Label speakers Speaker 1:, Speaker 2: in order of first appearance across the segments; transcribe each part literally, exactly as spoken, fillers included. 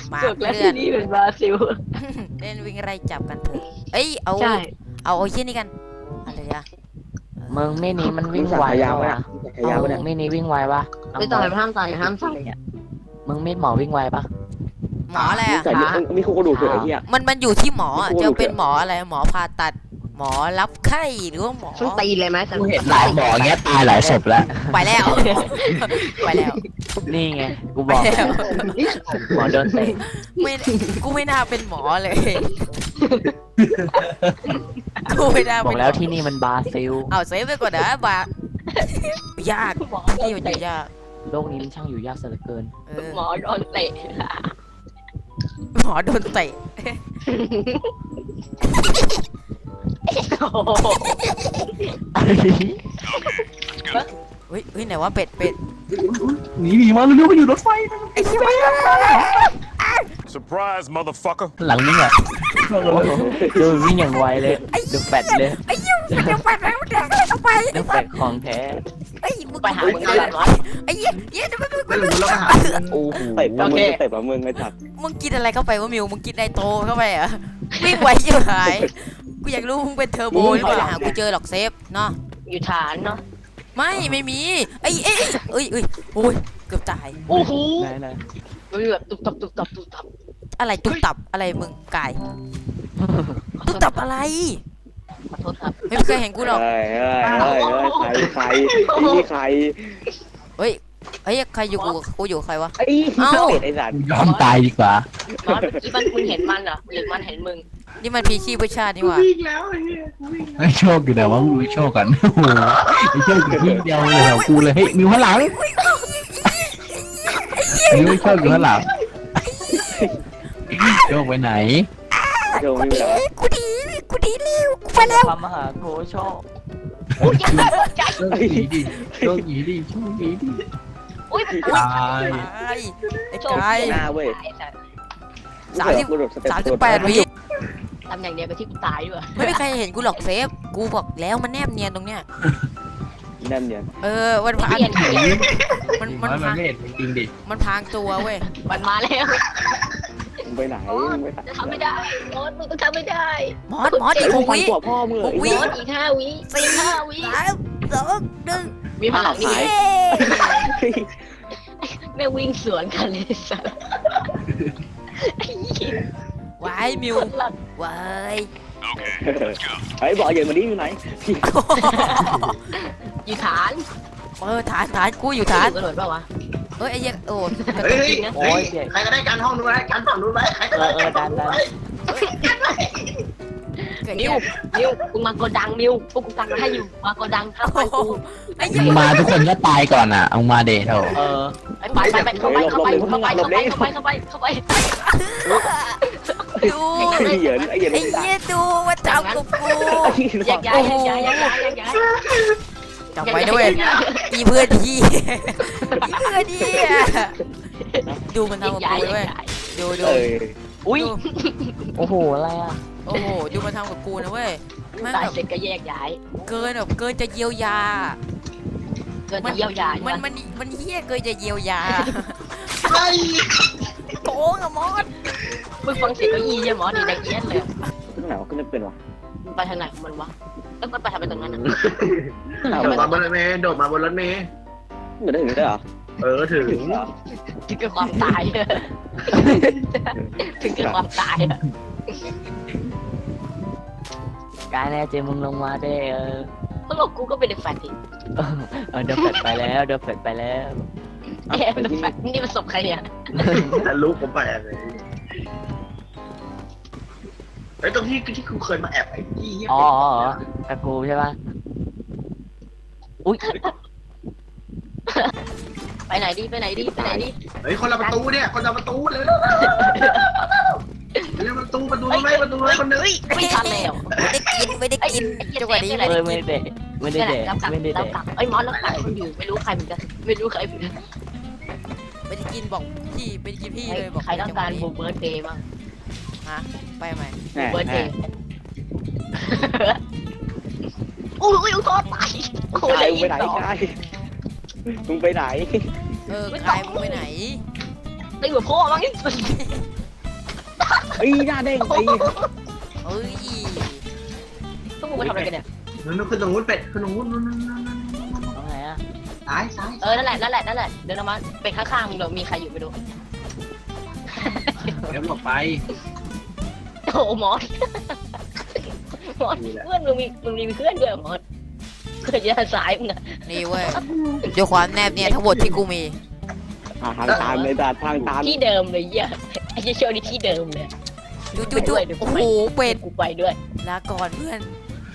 Speaker 1: มา
Speaker 2: เกิดแล้ว
Speaker 1: เพื่อ
Speaker 2: ที่
Speaker 1: น
Speaker 2: นี่เป็นบราซิล
Speaker 1: เล่นวิ่งไล่จับกันเถอะเอ้ยเอา
Speaker 2: ใช่
Speaker 1: เอาเอาเยี่ยนี่กันอะไรอะ
Speaker 3: มึงไม่นี้มันวิ่งไว
Speaker 4: ยาว
Speaker 3: ปะ
Speaker 4: นะ
Speaker 3: วะ
Speaker 4: ยาวเนี่ย
Speaker 3: ไม่นี้วิ่งไวปะ
Speaker 2: ไม่ต่อยห้ามต่อยห้ามต่อยอ่ะ
Speaker 3: มึงมีดหมอวิ่งไวปะ
Speaker 1: หมออะไรอะ
Speaker 4: ใส่มีคู่กระดูกเถอะไอ้เหี้ย
Speaker 1: มันมันอยู่ที่หมออะ
Speaker 4: ไม่พูด
Speaker 1: จะเป็นหมออะไรหมอผ่าตัดหมอรับไข้หรือว่าหมอ
Speaker 2: ต้องตีเลยไหม
Speaker 3: กูเห็นหลายหมอเงี้ยตายหลายศพแล้ว
Speaker 1: ไปแล้ว ไปแล้ว
Speaker 3: นี่ไงกูบอก
Speaker 1: ไปแล้ว
Speaker 3: หมอโดนเตะ
Speaker 1: ไม่กูไม่น่าเป็นหมอเลยกูไม่น่า
Speaker 3: บอ
Speaker 1: เป็น
Speaker 3: กแล้วที่นี่มันบราซิล
Speaker 1: เอาเซฟไปก่อนนะบา ยากที่มันอยู่ยาก
Speaker 3: โลกนี้มันช่างอยู่ยากซะเหลือเกิน
Speaker 1: เออ
Speaker 2: หมอโดนเตะ
Speaker 1: หมอโดนเตะ
Speaker 2: โอ้โห
Speaker 1: เฮ้ยเฮ้ยไหนว่าเป็ดเป็ด
Speaker 5: หนีหนีมาเร็วๆไปอยู่รถไฟ
Speaker 1: ไอ้เหี้ย
Speaker 6: Surprise, motherfucker.
Speaker 3: หลังนี่อ่ะโอ้โหดูวิ่งอย่างไวเลยดูแฟดเลย
Speaker 1: ไอ้เหี้ยเดี๋ยวไปแล้วเดี๋ยวเข้าไป
Speaker 3: ดูแฟดของแท้
Speaker 1: ไอ้ยมึง
Speaker 2: ไปหามึงกันวะ
Speaker 1: ไอ้เหี้ยเหี้ยเดี๋ยวไป
Speaker 5: ไม่รู้แล้วก็หา
Speaker 3: โอ้โห
Speaker 4: เตะปะมึงเตะปะมึงไอ้สัตว์
Speaker 1: มึงกินอะไรเข้าไปวะมิวมึงกินไนโตรเข้าไปเหรอวิ่งไวยิ่งหายกูอยากรู้มึงเป็นเทอร์โบหรือเปล่าหากูเจอหรอกเซฟเนาะ
Speaker 2: อยู่ฐานเนาะ
Speaker 1: ไม่ไม่มีไอ้เอ้ยเอ้ยเอ้ยโอ้ยเกือบตาย
Speaker 2: โอ้โห
Speaker 3: ไหนไหน
Speaker 2: มันแบบตุบตับตุบตับตุบตับ
Speaker 1: อะไรตุกตับอะไรมึงกายตุกตับอะไร
Speaker 2: ขอโทษครับ
Speaker 1: ไม่เคยเห็นกูหรอก
Speaker 4: เฮ้ยเฮ้ยเฮ้ยเฮ้ยใครใครนี่ใคร
Speaker 1: เฮ้ยเฮ้ยใครอยู่กูกูอยู่ใครวะ
Speaker 4: ไอ้เป็ดไอ้สัตว์
Speaker 5: ยอมตายดีกว่า
Speaker 2: มอสเมื่อกี้มันมึงเห็นมันเหรอหรือมันเห็นมึง
Speaker 1: นี่มันพีชีพเพื่อชาตินี่หว่า
Speaker 5: ไอ้โชคอยู่ไหนวะมึงดูโชคกันโอ้โหไอ้โชคอยู่ที่เดียวเลยแถวกูเลยเฮ้ยมิวข้างหลังมิวโชคอยู่ข้างหลังโชคไปไหน
Speaker 4: โดนไม่ได้
Speaker 1: กูดีกูดีเร็วกูไปแล้ว
Speaker 3: ความมหาโคโชค
Speaker 2: โอ้ยยังไม่ใจ
Speaker 5: โชคหนีดิโชคหนีดิโชคหนีดิ
Speaker 2: โอ้ยมัน
Speaker 5: ตาย
Speaker 1: ไอ้ไอ้
Speaker 2: โชค
Speaker 1: กาย
Speaker 4: หน้าเว้ย
Speaker 1: สามสิบสามสิบแปดวิ
Speaker 2: ทำอย่างเดียวกับที่กูตายด้วย
Speaker 1: ไม่มีใครเห็นกูหรอกเซฟกูบอกแล้วมันแนบเนียนตรงเนี้ย
Speaker 4: นั่นเนี่ย
Speaker 1: เออมันพาง
Speaker 2: เปลี่ยนเปลี่ยน
Speaker 1: มัน
Speaker 5: มั
Speaker 1: มัน น
Speaker 5: มัน
Speaker 1: พาง
Speaker 5: ไม่เห็นจริงดิ
Speaker 1: มันพางตัวเว้ย
Speaker 2: มันมาแล้ว
Speaker 4: มึงไปไหนมึงไปไหน
Speaker 2: จะทำไม่ได้มอสมึงต้องทำไม่ได้
Speaker 1: มอสมอสอีกหก
Speaker 4: ฟัน
Speaker 1: วิ
Speaker 4: กว่าพ่อมึง
Speaker 1: หกวิ
Speaker 2: มอสอีกห้าวิสี่ห้าวิ
Speaker 1: สามสองหนึ่ง
Speaker 2: มีพลังนี่
Speaker 1: เย้
Speaker 2: แม่วิ่งสวนกันเลยสัส
Speaker 1: วายมิววาย
Speaker 4: ไอ้บอกเย็นมาดิอยู่ไหน
Speaker 2: อยู่ฐาน
Speaker 1: เออฐานฐานกูอยู่ฐาน
Speaker 2: กระโดดเปล่าวะ
Speaker 1: เอ้ยไอ้เหี้ยโอ้
Speaker 5: เฮ้ย
Speaker 2: จริงนะ
Speaker 3: โอ้ยเจ็บ
Speaker 5: ใครก็ได้การห้องนู้นไว้การฝั่งนู้นไว้ใครก็
Speaker 3: เอ
Speaker 5: ได้
Speaker 3: อเออดันดัน
Speaker 1: เกิด
Speaker 2: นิ
Speaker 1: เหี้
Speaker 2: วย นิวมึงมาโกดังนิวพวกกูตังให้อยู่มาโกดังข้ามไป
Speaker 1: โอ้โห
Speaker 2: กู
Speaker 1: ไอ้เหี้ย
Speaker 5: มาทุกคนก็ตายก่อนอ่ะเอามาเดทเถอะ
Speaker 3: เออ
Speaker 2: ไปไปไปเข้าไปเข้าไปเข้าไปเข้าไปเข้าไปเข้าไปเข้าไป
Speaker 1: ดู
Speaker 4: ไอ้เหยินไอ้เหยิน
Speaker 1: ไอ้เหี้ยดูว่าทำกับกู
Speaker 2: แยกย้ายแยกย้ายแยกย้ายแยกย้าย
Speaker 1: จำไว้ด้วยอีเพื่อนที่อีเพื่อนที่ดูมัน
Speaker 2: แย
Speaker 1: ทำ
Speaker 2: ก
Speaker 1: กับ
Speaker 2: ย้าย
Speaker 1: กู
Speaker 2: แย
Speaker 1: เว้ย
Speaker 2: กย้าย
Speaker 1: ดูดู
Speaker 4: เออ
Speaker 3: อุ้ย
Speaker 1: ดู
Speaker 3: โอ้โหอะไรอ่ะ
Speaker 1: โอ้โหดูมันทำกับกูนะเว้ยแม่ง
Speaker 2: ตาย
Speaker 1: แบบ
Speaker 2: เสร็จก็แยกย้าย
Speaker 1: เกินแบบเกินจะเยียวยา
Speaker 2: เกินจะเยียวยา
Speaker 1: มั
Speaker 2: มัน
Speaker 1: มันมันเฮี้ยเกินจะเยียวยา
Speaker 5: ไอ้
Speaker 1: โกงอะมอส
Speaker 2: มึงฟังเสียงก็ยี่ยหมอดีดังเอี้ยนเลย
Speaker 4: ขึ้นไหนวะขึ้นไม่เป็นวะ
Speaker 2: ไปทางไหนมันวะแล้วมันไปทางไปตรงนั้นอ่ะ
Speaker 5: โดดมาบนรถเมย์โดดมาบนรถเมย์
Speaker 4: เงินได้ถึงได้เหรอ
Speaker 5: เออถึง
Speaker 2: ถึงกับความตายถึงกับความตาย
Speaker 3: กายแน่เจมึงลงมาได้เออ
Speaker 2: เพราะหลอกกูก็เป็นเด็กแฟนที
Speaker 3: เออเดี๋ยวแฟดไปแล้วเดี๋ยวแฟดไปแล้ว
Speaker 2: แกเป็นเด็กแฟนนี่มันศพใครเนี่ย
Speaker 5: แต่ลูกผมไปเลยไอ้ตรงที่ที่กูเคยมาแอบไอ้ที่
Speaker 3: อ๋ออ๋ออ๋อตะกูใช่ป่ะอุ้ย
Speaker 2: ไปไหนดีไปไหนดีไปไหนดี
Speaker 5: เฮ้ยคนละประตูเนี่ยคนละประตูเลยเร็วประตูประตูไม่ประตูไม่คนนึง
Speaker 2: ไม่ทันแล้ว
Speaker 1: ไม่ได้กินไม่ได้กินจังหวะนี้
Speaker 3: เออไม่ได้เดะไม่ได้เดะ
Speaker 2: รับกลับ
Speaker 3: ไม่ได้
Speaker 2: รับ
Speaker 3: เดะ
Speaker 2: กลับไอ้มอสรับกลับคนอยู่ไม่รู้ใครเหมือนกันไม่รู้ใครเหมือนกัน
Speaker 1: ไม่ได้กินบอกพี่ไม่ได้กินพี่เลยบอก
Speaker 2: ใครต้องการบูเบิร์ดเดย์บ้าง
Speaker 1: ฮะไปไหม
Speaker 4: แหม่
Speaker 2: เบิร์ด
Speaker 4: แห
Speaker 2: เด
Speaker 4: ม่
Speaker 2: ย์โอ้ยโทษไปโอ้
Speaker 4: กาย
Speaker 2: ย
Speaker 4: มึงไปไหนกายมึงไปไหน
Speaker 1: เออกายมึงไปไหน
Speaker 2: ตีหัวพ่อมั้งนี่
Speaker 4: ไอ้หน้าเด้งไอ้
Speaker 1: เอ้ย
Speaker 2: พวกมึงมาทำอะไรกันเนี่ย
Speaker 6: นู้นขึ้นตรงนู้นเป็ดขึ้นตรงนู้นนู้นนู้นนู้นนู้น
Speaker 3: เอาไงอ่ะ
Speaker 6: ซ้ายซ้าย
Speaker 2: เออนั่นแหละนั่นแหละนั่นแหละเดินออกมาเป็นข้างๆมึงเดี๋ยวมีใครอยู่ไปดู
Speaker 5: เดี๋ยวหลบไป
Speaker 2: โอ้มอสมอสเพื่อนมึงมีมึงมีเพื่อนด้วยมอสเพื่อนยันสายมึงอะ
Speaker 1: นี่เว้ยด้วยความแนบเนี่ยทั้งหมดที่กูมี
Speaker 4: ทางตามเลยตาทางตาม
Speaker 2: ที่เดิมเลยเหี้ยไอ้เชี่ยวนี่ที่เดิมเลย
Speaker 1: จุ๊จุ๊จุ๊โอ้โหเป็ด
Speaker 2: กูไปด้วย
Speaker 1: ลาก่อนเพื่อน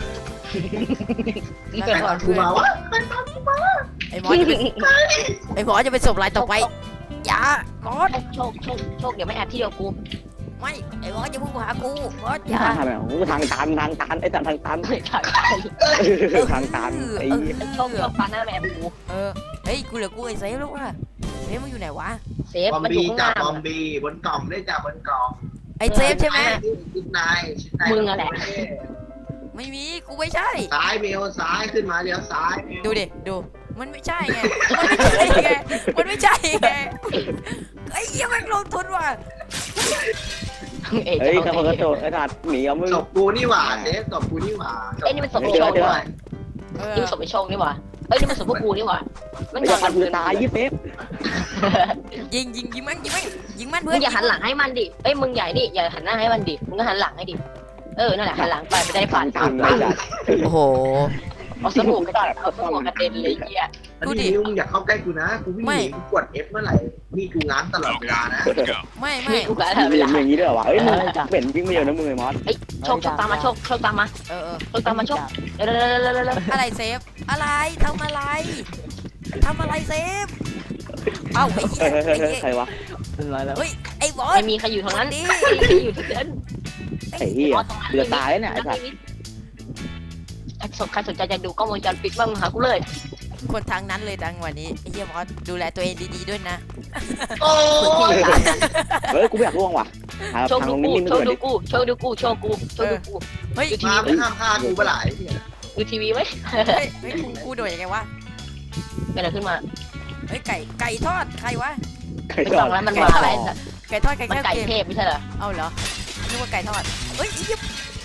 Speaker 2: นี่
Speaker 1: ลา
Speaker 2: เป็น
Speaker 1: ก่อน
Speaker 6: กู
Speaker 1: เพื่อน
Speaker 6: มาวะ
Speaker 1: ไอ้หมอจะเป็นไอ้หมอจะเป็นศพรายต่อไปอย่าก่อน
Speaker 2: โชคโชคโชคเดี๋ยวไม่แอบที่เดียวกู
Speaker 1: ไม่ไอ้หมอจะพุ่งมาหากูหมออย่า
Speaker 4: ทางไหนโอ้ทางตันทางตันไอ้ตันทางตัน
Speaker 2: ไม่ถ่าย
Speaker 4: ทางตันไอ้
Speaker 2: โชคโชคปานหน้าแม่กู
Speaker 1: เออเฮ้ยกูเหลือกูไอ้เซฟแล้วว่ะเซฟมันอยู่ไหนวะ
Speaker 2: เซฟ
Speaker 6: บอม
Speaker 2: มันอยู่
Speaker 6: บี้
Speaker 2: ข้าง
Speaker 6: จับ
Speaker 2: ล่าง
Speaker 6: บอมบี้บนกล่องได้จับบนกล่อง
Speaker 1: ไอ้เซฟใช่ไหม
Speaker 6: ชิ้นนายชิ้นนาย
Speaker 2: มึงอะแหละ
Speaker 1: ไม่มีกูไม่ใช่
Speaker 6: ซ้ายเมลซ้ายขึ้นมาเลี้ยวซ้ายเมล
Speaker 1: ดูดิดูมันไม่ใช่ไงมันไม่ใช่ไงมันไม่ใช่ไงไอ้เหี้ยแม่งลงทุนว่ะ
Speaker 2: เอ้ย
Speaker 4: เฮ้ยข้าพเจ้าไอ้ตัดหนีเอามึง
Speaker 6: ศพกูนี่หว่าเซฟศพกูนี่หว่า
Speaker 2: เอ้ยนี่มันศพไอ้โชคนี่หว่า
Speaker 1: เออ
Speaker 2: นี่มันศพไอ้โชคนี่หว่าเอ้ยนี่มันศพพวกกูนี่หว่ามัน
Speaker 4: ไม่
Speaker 2: น
Speaker 4: จะ
Speaker 2: อน
Speaker 4: ฟั
Speaker 2: กัน น
Speaker 4: มือตายยี่เซฟ
Speaker 1: ยิงยิงยิงมันยิงมันยิงมัน
Speaker 2: มึ
Speaker 1: เพื่อน
Speaker 2: งอย่าหันหลังให้มันดิเอ้ยมึงใหญ่ดิอย่าหันหน้าให้มันดิมึงก็หันหลังให้ดิเออนั่นแหละหันหลังไปไม่ได้ฟัน
Speaker 4: ตามไอ้ตัด
Speaker 1: โอ้โห
Speaker 2: เอาสมองกระดาษเอาสมองกระเด็นเลยเหี้ย
Speaker 6: อันนี้นิ้วมึงอย่าเข้าใกล้กูนะกูวิ่งหนีกูกด F เมื่อไหร่นี่กูง้างตลอดเวลานะ
Speaker 1: ไม่ไม่
Speaker 2: นี่กูกะ
Speaker 4: มึ
Speaker 2: เว
Speaker 4: ง
Speaker 2: ลา
Speaker 4: อย่างนี้ด้วยวะเฮ้ยมึงเป็นวิ่งไม่เยอะนะมึงไอ้มอส
Speaker 2: โชคโชคตามมาโชคโชคตามมา
Speaker 1: เออเออ
Speaker 2: โชคตามมาโชคเร็วเร็วเร็วเร็วเร็ว
Speaker 1: อะไรเซฟอะไรทำอะไรทำอะไรเซฟเอ้าไอ้เหี้
Speaker 4: เฮ้
Speaker 1: ย
Speaker 4: ย
Speaker 1: ไอ้
Speaker 4: เฮ้ย
Speaker 1: เหี้ย
Speaker 4: ใครวะ
Speaker 3: เป็นไรแล้ว
Speaker 1: เฮ้ยไอ้บอส
Speaker 2: ไม่มีใครอยู่ทางนั้น
Speaker 1: ดิ
Speaker 2: ไม่มีใครอยู่ที่นั้น
Speaker 4: ไอ้เหี้ยเกือบตายเนี่ยไอ้สัตว์
Speaker 2: ใครสนใครสนใจจะดูกล้องวงจรปิดบ้างหากูเลย
Speaker 1: คนทางนั้นเลยจังวันนี้ไอ้เหี้ยบอสดูแลตัวเองดีๆด้วยนะ
Speaker 2: โอ้ย
Speaker 4: เฮ้ยกูไม่อยากล่วงว่ะหา
Speaker 2: โชค
Speaker 4: ทาง
Speaker 2: ดู
Speaker 4: ลง
Speaker 2: กู
Speaker 4: นิ่งๆ
Speaker 2: โช
Speaker 4: ด้วย
Speaker 2: คดู
Speaker 4: ดิ
Speaker 2: กูโชคดูกูโชคกูโชคดูกู
Speaker 1: เฮ้ย
Speaker 2: ดูที
Speaker 6: มา
Speaker 2: วี
Speaker 6: ไม่ห้ามฆ่ากูเมื่อไหร่
Speaker 2: ดูทีวีไหม
Speaker 1: เฮ้ยเฮ้ยกูกูโดดยังไงวะ
Speaker 2: เป็นอะไรขึ้นมา
Speaker 1: เฮ้ยไก่ไก่ทอดใครวะ
Speaker 4: ใคร
Speaker 2: ไม่
Speaker 4: จ
Speaker 2: ต้
Speaker 4: อ
Speaker 2: อ
Speaker 4: ด
Speaker 2: งแล้วมันมาอะไร
Speaker 1: ไก่ทอดไก่
Speaker 2: มัน
Speaker 1: แค่
Speaker 2: ไก่
Speaker 1: เกม
Speaker 2: เทพไม่ใช่เหรอ
Speaker 1: เอาเหรอนึกว่าไก่ทอดเฮ้ยไอ้เหี้ย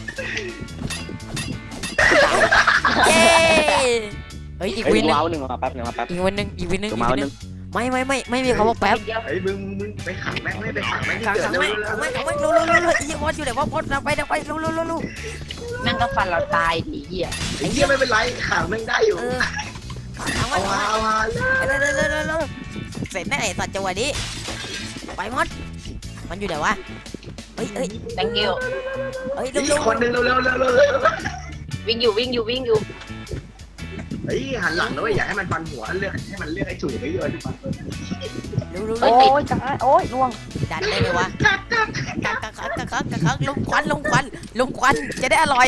Speaker 1: เย้เฮ้ยอีก
Speaker 4: เฮ้ย
Speaker 1: วินหนึง
Speaker 4: ว้าวหนึ่งมาแป๊บหนึ่งมาแป๊บ
Speaker 1: อีกวินหนึงอีกวินหนึงอีก
Speaker 4: มา
Speaker 1: วินห
Speaker 4: ห
Speaker 1: นึ
Speaker 4: นึ่
Speaker 1: ง
Speaker 4: ง
Speaker 1: ไม่ไม่ไม่ไม่มีคำว่าแป๊บ
Speaker 6: เฮ้ยมึงมึงไปขังแม่งไม่ไปขังแม่ง
Speaker 1: ขัง
Speaker 6: เกิ
Speaker 1: ขั
Speaker 6: ด
Speaker 1: ง
Speaker 6: เร็ว
Speaker 1: ไม่
Speaker 6: เร็ว
Speaker 1: ขังไม่ขังไม่รู้รู้รู้รู้ไอ้เหี้ยบอสอยู่ไหนวะบอสนำไปนำไปรู้รู้รู้รู้
Speaker 2: แม่งก็ฟันเราตายดีเหี้ย
Speaker 6: ไอ้เหี้ยไม่เป็นไรขังแม่งได้อยู่
Speaker 1: เออขังขัง
Speaker 6: เอา
Speaker 1: ไว้
Speaker 6: มาเอามา
Speaker 1: เร็วเร็วเร็วเร็วเร็วเสร็จแน่ไอ้สัตว์จังหวะนี้ไปมดมันอยู่ไหนวะเฮ้ยเฮ้ย
Speaker 2: thank you
Speaker 1: เฮ้ยเร็ว
Speaker 6: อี
Speaker 1: เร็
Speaker 6: ก
Speaker 1: ว
Speaker 6: คนนึงเร็วเร็วเร็วเร็วเร็ว
Speaker 2: วิ่งอยู่วิ่งอยู่วิ่งอยู่
Speaker 6: เฮ้ยหันหลังนะเว้ยอย่าให้มันฟันหัวเลือกให้มันเลือกไอ้ฉุยไปเยอะดีกว่า
Speaker 1: เร็วเร็ว
Speaker 3: โอ้
Speaker 1: เร็วย
Speaker 3: จ้าโอ้ยล่วง
Speaker 1: ดันได้ไหมวะกักกักกักกักกักกักกักลงควันลงควันลงควันจะได้อร่อย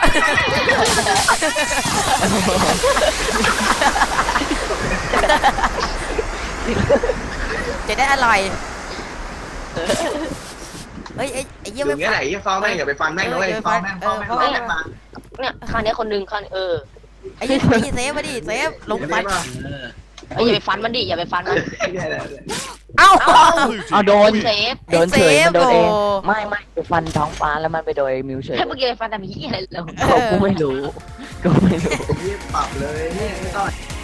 Speaker 1: จะได้อร่อยเฮ้ยไอ้ไอ้เยี่ย
Speaker 6: อ
Speaker 1: ไม่
Speaker 6: ย่างเงี้ยไหนอย่าฟ้องแม่งอย่าไปฟันแม่งนะเว้ยฟ้องแม่งฟ้องแม่งฟ้องแม่งมา
Speaker 2: เนี่ยข้างนี้คนนึงข้างเออ
Speaker 1: ไอ้เยี่ยไอ้เยี่ยเซฟมาดิเซฟลงควัน
Speaker 2: ไอ้อย่าไปฟันมันดิอย่าไปฟันมัน
Speaker 1: เอ้า
Speaker 3: เอาโดน
Speaker 2: เซฟ
Speaker 3: โดนเฉยมันโดนเอง
Speaker 1: โอ้
Speaker 3: ไม่ไม่ไปฟันท้องฟ้าแล้วมันไปโดยมิวเฉย
Speaker 2: ถ้าเมื่อกี้ไปฟันทำยี่อะไรเรา
Speaker 3: กูไม่รู้กูไม่รู้
Speaker 6: นี่ปรับเลยนี่ไม่ต้อง